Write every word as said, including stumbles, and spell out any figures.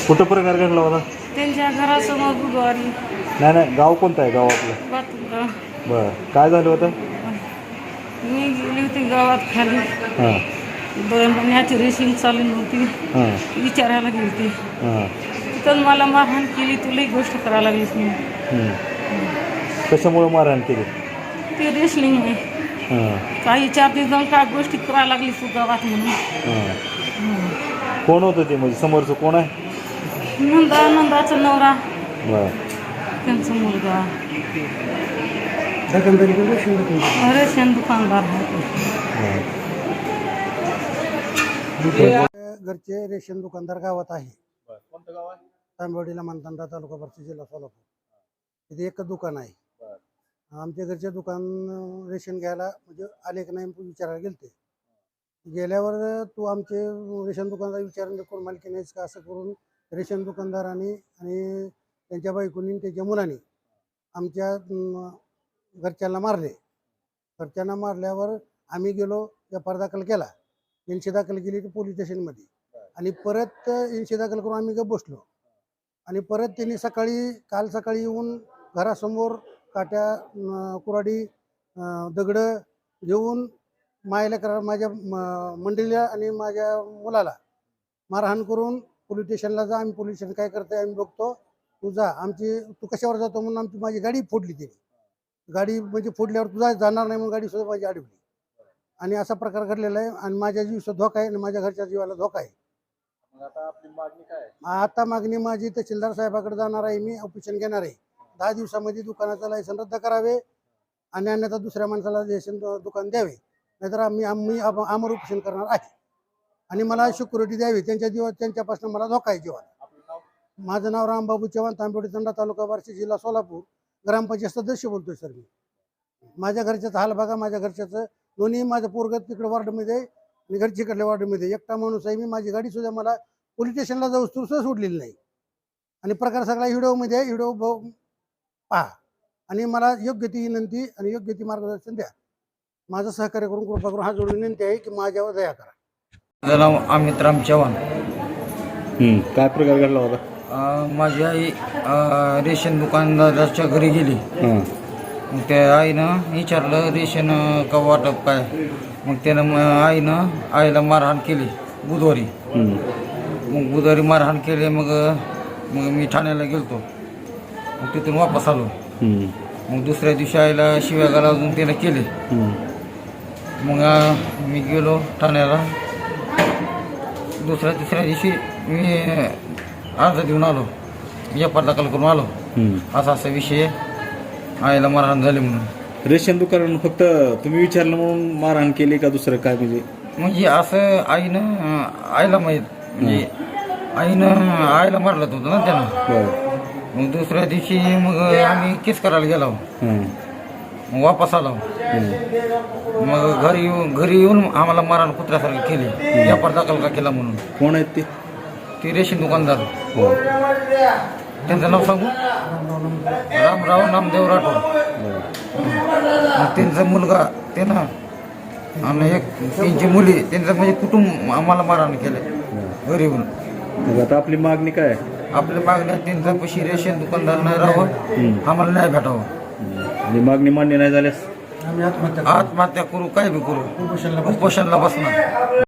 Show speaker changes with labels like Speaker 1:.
Speaker 1: कुठं प्रकार घडला होता?
Speaker 2: त्यांच्या घरासमोर बुधवारी.
Speaker 1: नाही नाही, गाव कोणतं आहे गाव आपलं?
Speaker 2: बाथरूमला.
Speaker 1: बरं, काय झालं होतं?
Speaker 2: मी गेली होती गावात खाली.
Speaker 1: हां
Speaker 2: दोन महिन्याची रेसिंग चालू नव्हती.
Speaker 1: हां
Speaker 2: विचारायला गेली होती.
Speaker 1: हां
Speaker 2: तिथं मला मारहाण केली. तुलाही गोष्ट करायला लागलीस मी.
Speaker 1: हं. कशामुळे मारहाण केली?
Speaker 2: ते रेसलिंग आहे.
Speaker 1: हां
Speaker 2: काही चार दिवस जाऊन काय गोष्टी करायला लागली तू गावात म्हणून.
Speaker 1: हां कोण होतं ते, म्हणजे समोरचं कोण आहे?
Speaker 2: नंदा नंदाचा नवरा,
Speaker 1: बरं.
Speaker 2: त्यांचा मुलगा रेशन दुकानदार आहे.
Speaker 3: घरचे रेशन दुकानदार गावात आहे.
Speaker 1: कोणतं गाव आहे?
Speaker 3: तांबवडीला मानतांडा, तालुका भरती, जिल्हा सोलापूर. तिथे एकच दुकान आहे. आमच्या घरचे दुकान रेशन घ्यायला म्हणजे आले की नाही विचारायला गेलते. गेल्यावर तू आमचे रेशन दुकानदार विचारले कोण मालकी नाहीस का, असं करून रेशन दुकानदारांनी आणि त्यांच्या बायकोनी त्यांच्या मुलांनी आमच्या घरच्यांना मारले. घरच्यांना मारल्यावर आम्ही गेलो, एफ दाखल केला. एनशी दाखल केली पोलीस स्टेशनमध्ये आणि परत एनशी दाखल करून आम्ही गप बसलो. आणि परत त्यांनी सकाळी काल सकाळी येऊन घरासमोर काट्या, कुऱ्हाडी, दगडं घेऊन मायला करा माझ्या मंडळीला आणि माझ्या मुलाला मारहाण करून पोलीस स्टेशनला जा. आम्ही पोलीस स्टेशन काय करतोय आम्ही बघतो, तू जा. आमची तू कशावर जातो म्हणून आमची माझी गाडी फोडली. त्यांनी गाडी म्हणजे फोडल्यावर तुझा जाणार नाही म्हणून गाडी सुद्धा माझी अडवली. आणि असा प्रकार घडलेला आहे. आणि माझ्या जीवाचा धोका आहे आणि माझ्या घरच्या जीवाला धोका आहे.
Speaker 1: आता आपली मागणी काय आहे?
Speaker 3: आता मागणी माझी तहसीलदार साहेबाकडे जाणार आहे. मी ऑपरेशन घेणार आहे. दहा दिवसामध्ये दुकानाचं लायसन रद्द करावे आणि अन्यथा दुसऱ्या माणसाला लायसन दुकान द्यावे, नाहीतर आम्ही आम्ही आमर ऑपरेशन करणार आहे. आणि मला सिक्युरिटी द्यावी. त्यांच्या जीवा त्यांच्यापासून मला धोका आहे जीवाला. माझं नाव रामबाबू चव्हाण, तांबवडी तंडा, तालुका बार्शी, जिल्हा सोलापूर. ग्रामपंचायत सदस्य बोलतोय सर मी. माझ्या घरच्याचा हाल बघा. माझ्या घरच्याचं दोन्ही माझं पोरगत तिकडे वॉर्डमध्ये आहे आणि घरची इकडल्या वॉर्डमध्ये. एकटा माणूस आहे मी. माझी गाडी सुद्धा मला पोलीस स्टेशनला जाऊ सुद्धा सोडलेली नाही. आणि प्रकार सगळा व्हिडिओमध्ये आहे. व्हिडिओ पहा आणि मला योग्य ती विनंती आणि योग्य ती मार्गदर्शन द्या. माझं सहकार्य करून कृपा करून हा जोडून विनंती आहे की माझ्यावर दया करा.
Speaker 4: माझं नाव अमित राम चव्हाण.
Speaker 1: काय प्रकार घडला होता?
Speaker 4: माझी आई अ, रेशन दुकानदाराच्या घरी गेली. मग त्या आईनं विचारलं रेशन का वाटप काय. मग त्यानं म आईनं आईला मारहाण केली बुधवारी. मग बुधवारी मारहाण केली. मग मग मी ठाण्याला गेलतो. मग तिथून वापस आलो. मग दुसऱ्या दिवशी आईला शिव्या घालून त्याला केले. मग मी गेलो ठाण्याला. दुसऱ्या तिसऱ्या दिवशी मी अर्ज देऊन आलो, एफ आर दाखल करून आलो. असा असा विषय आईला मारहाण झाली म्हणून.
Speaker 1: रेशन दुकान फक्त तुम्ही विचारलं म्हणून मारहाण केली का दुसरं काय? म्हणजे
Speaker 4: म्हणजे असं आईनं आईला माहीत, म्हणजे आईनं आईला मारलं होतं ना त्यानं. मग दुसऱ्या दिवशी मग आम्ही केस करायला गेलो. मग वापस आलो. मग घरी येऊन घरी येऊन आम्हाला मारहाण कुत्र्यासारखी केली. एफ आर दाखल का केला म्हणून.
Speaker 1: कोण आहेत ते?
Speaker 4: ते रेशन दुकानदार. त्यांचं नाव सांगू? रामराव नामदेव राठोड. मग त्यांचा मुलगा त्यांना आणि एक त्यांची मुली त्यांचं म्हणजे कुटुंब आम्हाला मारहाण केलं घरी येऊन.
Speaker 1: आता आपली मागणी काय?
Speaker 4: आपल्या मागण्या त्यांचा पैसे रेशन दुकानदार नाही राहावं, आम्हाला नाही भेटावं.
Speaker 1: आणि मागणी मान्य नाही झाल्यास
Speaker 4: आत्महत्या करू, काय बी करू, उपोषणला बसणार.